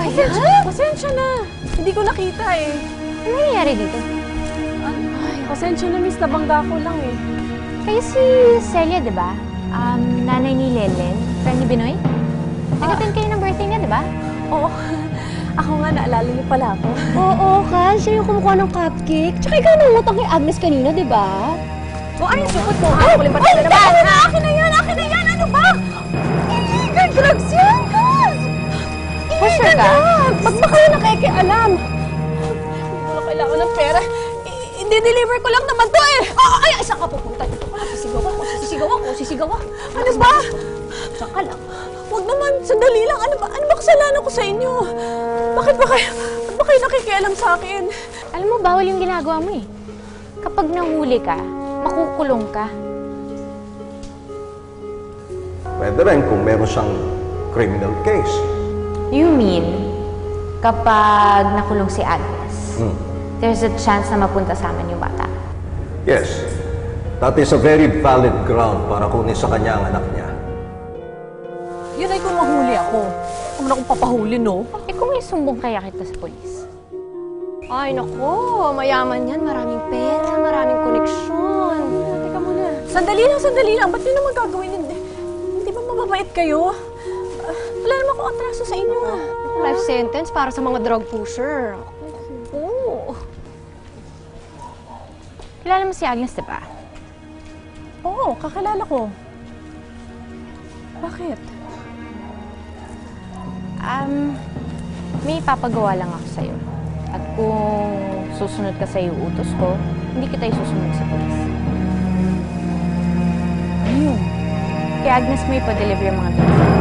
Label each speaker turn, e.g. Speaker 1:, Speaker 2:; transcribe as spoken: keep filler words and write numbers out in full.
Speaker 1: Pasensya, pasensya na. Hindi ko nakita eh.
Speaker 2: Ano nangyayari dito?
Speaker 1: Ay, pasensya na, miss. Nabangga ko lang eh.
Speaker 2: Kayo si Celia, di ba? Um, nanay ni Lelen, friend ni Binoy? Nag-attend kayo ng birthday niya, di ba?
Speaker 1: Oo. Ako nga, naalala niyo pala ako.
Speaker 3: Oo, Kal. Siya yung kumukuha ng cupcake. Tsaka ikaw nangutang kay Agnes kanina, di ba?
Speaker 1: O, ano yung sukot mo? Ay, kuling ba tayo naman? Ay, akin na yan! Akin na yan! Ano ba? Illegal drugs yan, Kaz!
Speaker 2: For sure ka?
Speaker 1: Ba't ba kayo nakikialam? Hindi ko na kailangan ng pera. I-deliver ko lang naman to eh! Ah, ay, ay, saan ka pupunta dito? Sisigaw ako, sisigaw ako, sisigaw ako. Ano ba?
Speaker 3: Saan ka lang?
Speaker 1: Huwag naman, sandali lang. Ano ba, ano ba kasalanan ko sa inyo? Bakit ba kayo, bakit ba kayo nakikialam sa akin?
Speaker 2: Alam mo, bawal yung ginagawa mo eh. Kapag nahuli ka, makukulong ka.
Speaker 4: Pwede rin kung meron siyang criminal case.
Speaker 2: You mean, kapag nakulong si Agnes,
Speaker 4: Hmm.
Speaker 2: there's a chance na mapunta sa amin yung bata?
Speaker 4: Yes, that is a very valid ground para kunin sa kanya ang anak niya.
Speaker 1: Yun ay kung mahuli ako. Kung na akong papahuli, no?
Speaker 2: Eh kung isumbong kaya kita sa polis?
Speaker 3: Ay, nako. Mayaman yan. Maraming pera, maraming koneksyon.
Speaker 1: Teka muna. Sandali lang, sandali lang. Ba't yun naman gagawin? Hindi, hindi ba mababait kayo? Uh, wala naman akong atraso sa inyo, ah.
Speaker 3: Life sentence para sa mga drug pusher.
Speaker 1: Oo.
Speaker 2: Kilala mo si Agnes, di ba?
Speaker 1: Oo, kakilala ko. Bakit?
Speaker 2: Um, may ipapagawa lang ako sa'yo. At kung susunod ka sa utos ko, hindi kita isusunod sa polis.
Speaker 1: Ano yun?
Speaker 2: Kay Agnes may pa-deliver yung mga drugs.